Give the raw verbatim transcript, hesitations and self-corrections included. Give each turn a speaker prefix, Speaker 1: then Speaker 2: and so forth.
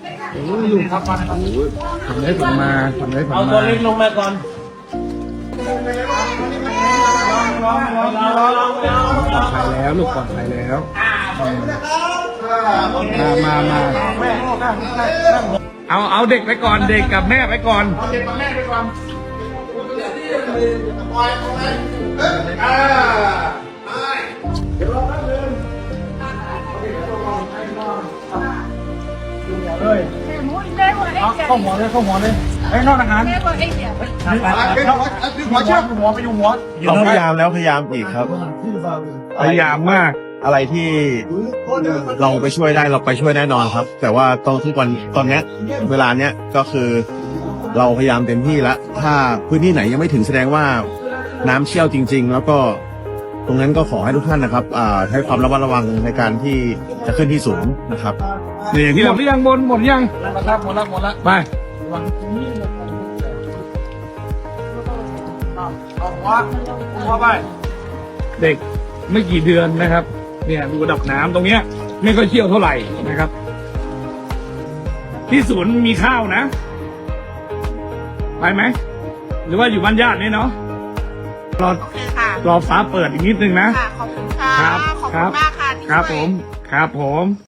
Speaker 1: โอ้ยลุงครับมาโอ้ยทำได้ผมมาทำได้ผมมา
Speaker 2: เอาตัวเล็กลงมาก่อนลองลองลองลองลอง
Speaker 1: ปลอดภัยแล้วลูกปลอดภัยแล้วมามามาเอาเอาเด็กไปก่อนเด็กกับแม่ไปก่อนเด็กกับแม่ไปก่อนเข้าหัวเลยเข้าหัวเลยไอ้นอกอาหารหัวเชือกหัวไปอยู่หัว
Speaker 3: เขาพยายามแล้วพยายามอีกครับ
Speaker 1: พยายามมาก
Speaker 3: อะไรที่เราไปช่วยได้เราไปช่วยแน่นอนครับ แต่ว่าตอนทุกวันตอนเนี้ยเวลาเนี้ยก็คือเราพยายามเต็มที่แล้วถ้าพื้นที่ไหนยังไม่ถึงแสดงว่าน้ำเชี่ยวจริง ๆ แล้วก็ตรงนั้นก็ขอให้ทุกท่านนะครับอ่าให้ความระมัดระวังในการที่จะขึ้นที่สูงนะครับ
Speaker 1: นี่อย่างที่หมดหรือยังบนหมดยัง
Speaker 2: หมดแล้วหมดแล้วหมดแล้ว
Speaker 1: ไป
Speaker 2: เอาหัวหัวไป
Speaker 1: เด็กไม่กี่เดือนนะครับ เนี่ยดูระดับน้ำตรงเนี้ยไม่ค่อยเชี่ยวเท่าไหร่นะครับ ที่ศูนย์มีข้าวนะ ไปไหมหรือว่าอยู่บ้านญาตินี่เนาะรอ
Speaker 4: ค่ะ
Speaker 1: รอฟ้าเปิดอีกนิดนึงนะ
Speaker 4: ค่ะ ขอบคุณค่ะ
Speaker 1: ครับ
Speaker 4: ขอบ
Speaker 1: ค
Speaker 4: คุ
Speaker 1: รับ
Speaker 4: ณมากค่ะที่
Speaker 1: ครับ
Speaker 4: ช่วย
Speaker 1: ผมครับผม